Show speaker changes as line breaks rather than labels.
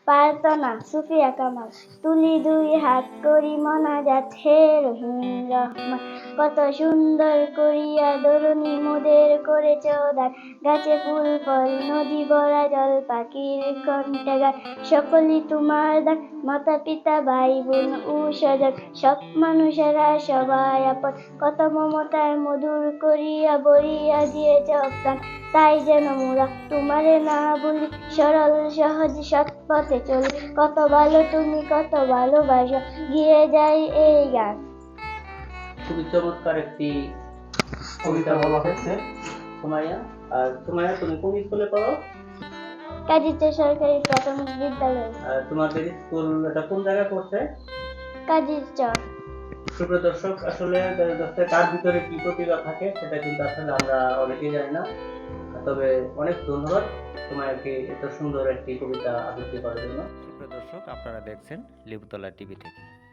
পারত না সুফিয়া কামাল। তুলি দুই হাত করি মোনাজাত, হে রহিম রহমান। কত সুন্দর করিয়া দরুনি মোদের করেছ দান। গাছে ফুল ফল নদী ভরা জল, পাখির কণ্ঠে গান। সকলই তোমার দান, মাতা পিতা ভাই বোন ও স্বজন, সব মানুষেরা সবাই আপন। কত মমতায় মধুর করিয়া বরিয়া দিয়েছ প্রাণ। তাই যেন মোরা তোমারে না ভুলি, সরল সহজ সৎ পথে চলি। কত ভালো তুমি, কত ভালোবাসো, গিয়ে যাই এই গান।
খুবই চমৎকার একটি কবিতা বলা হয়েছে সুমাইয়া। আর সুমাইয়া, তুমি কোন স্কুলে পড়ো?
কাজীচর সরকারি প্রাথমিক বিদ্যালয়।
তোমাদের স্কুল এটা কোন জায়গায় পড়ছে?
কাজীচর।
সুপ্রিয় দর্শক, আসলে কার ভিতরে কি প্রতিভা থাকে সেটা কিন্তু আসলে আমরা অনেকেই জানি না। তবে অনেক ধন্যবাদ তোমাকে এত সুন্দর একটি কবিতা আবৃত্তি করার জন্য। সুপ্রিয় দর্শক, আপনারা দেখছেন লেবুতলা টিভি থেকে।